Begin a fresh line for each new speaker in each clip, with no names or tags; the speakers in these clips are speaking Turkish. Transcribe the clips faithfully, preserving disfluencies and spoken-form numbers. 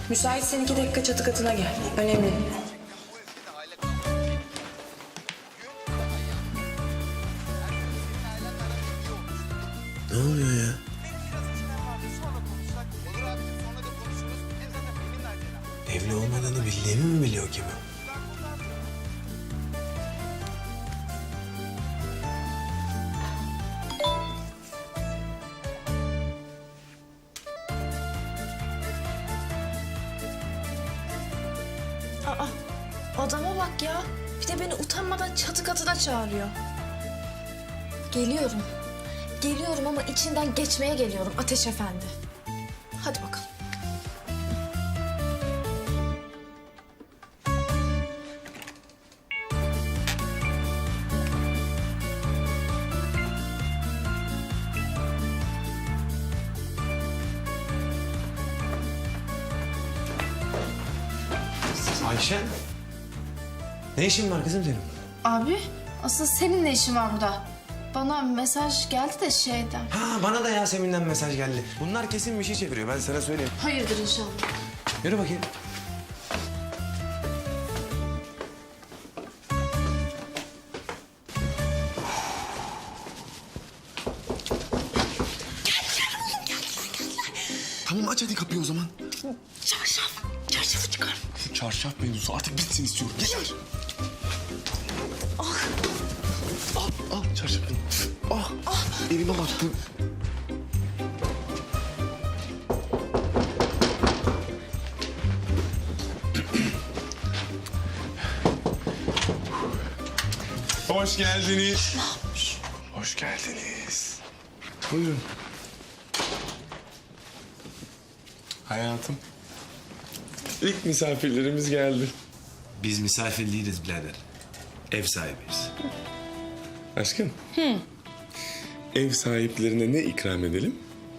Müsaitsen iki dakika çatı katına gel. Önemli.
Ne oluyor ya? Evli olmadığını bildiğimi mi biliyor ki bu?
Aa, adama bak ya. Bir de beni utanmadan çatı katına çağırıyor. Geliyorum. Geliyorum ama içinden geçmeye geliyorum Ateş Efendi. Hadi bakalım.
Ayşe. Ne işin var kızım senin?
Abi, asıl senin ne işin var burada? Bana mesaj geldi de şeyden.
Ha, bana da Yasemin'den mesaj geldi. Bunlar kesin bir şey çeviriyor, ben sana söyleyeyim.
Hayırdır inşallah.
Yürü bakayım.
Tamam aç hadi kapıyı o zaman.
Çarşaf, çarşafı çıkar.
Şu çarşaf mevzusu artık bitsin istiyorum. Yeter.
Ah.
Al, al çarşafını. Ah, ah. Elime battı.
Hoş geldiniz. Hoş geldiniz. Buyurun. Hayatım. İlk misafirlerimiz geldi.
Biz misafir değiliz birader. Ev sahibiyiz.
Aşkım. Hı. Ev sahiplerine ne ikram edelim?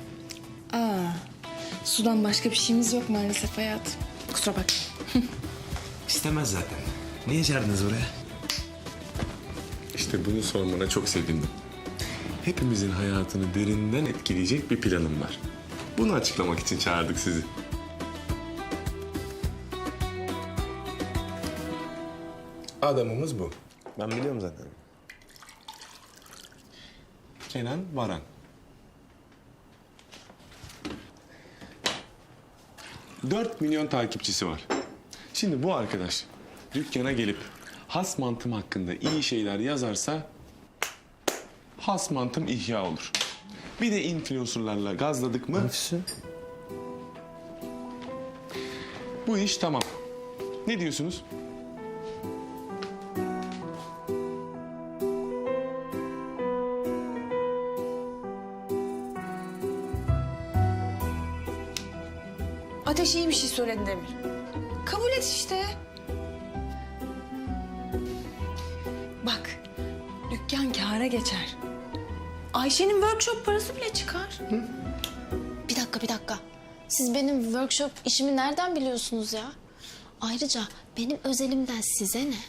Sudan başka bir şeyimiz yok maalesef hayatım. Kusura bak.
İstemez zaten. Niye çağırdınız buraya?
İşte bunu sormana çok sevindim. Hepimizin hayatını derinden etkileyecek bir planım var. Bunu açıklamak için çağırdık sizi. Adamımız bu.
Ben biliyorum zaten.
Kenan Varan. Dört milyon takipçisi var. Şimdi bu arkadaş dükkana gelip has mantım hakkında iyi şeyler yazarsa has mantım ihya olur. Bir de influencerlarla gazladık mı bu iş tamam. Ne diyorsunuz?
Ateş iyi bir şey söyledi Demir. Kabul et işte. Bak, dükkan kâra geçer. Ayşe'nin workshop parası bile çıkar. Hı?
Bir dakika, bir dakika. Siz benim workshop işimi nereden biliyorsunuz ya? Ayrıca benim özelimden size ne?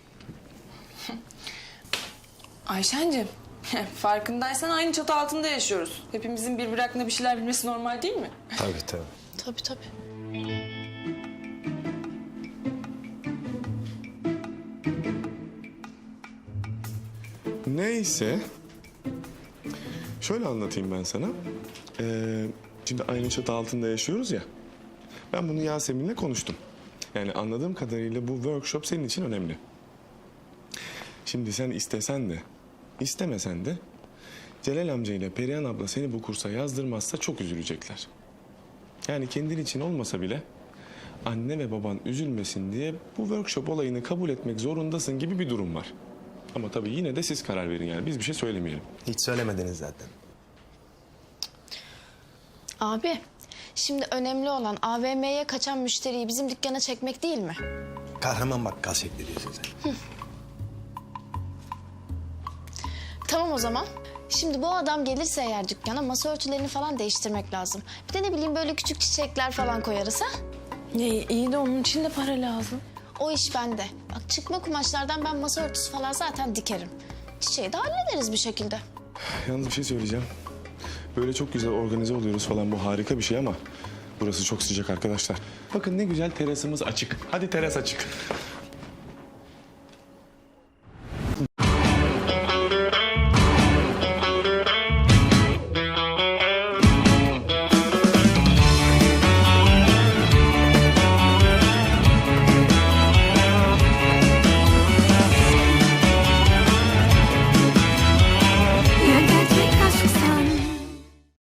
Ayşe'cim, farkındaysan aynı çatı altında yaşıyoruz. Hepimizin birbiri hakkında bir şeyler bilmesi normal değil mi?
Tabii tabii.
Tabii tabii.
Neyse. Şöyle anlatayım ben sana. Ee, şimdi aynı çatı altında yaşıyoruz ya. Ben bunu Yasemin'le konuştum. Yani anladığım kadarıyla bu workshop senin için önemli. Şimdi sen istesen de, istemesen de Celal amca ile Perihan abla seni bu kursa yazdırmazsa çok üzülecekler. Yani kendin için olmasa bile anne ve baban üzülmesin diye bu workshop olayını kabul etmek zorundasın gibi bir durum var. Ama tabii yine de siz karar verin yani. Biz bir şey söylemeyelim.
Hiç söylemediniz zaten.
Abi, şimdi önemli olan A V M'ye kaçan müşteriyi bizim dükkana çekmek değil mi?
Kahraman bakkal şekli diyorsun sen.
Tamam o zaman. Şimdi bu adam gelirse eğer dükkana masa örtülerini falan değiştirmek lazım. Bir de ne bileyim böyle küçük çiçekler falan koyarız ha?
İyi, iyi de onun için de para lazım.
O iş bende. Bak çıkma kumaşlardan ben masa örtüsü falan zaten dikerim. Çiçeği de hallederiz bir şekilde.
Yalnız bir şey söyleyeceğim. Böyle çok güzel organize oluyoruz falan, bu harika bir şey ama Burası çok sıcak arkadaşlar. Bakın ne güzel terasımız açık. Hadi teras açık.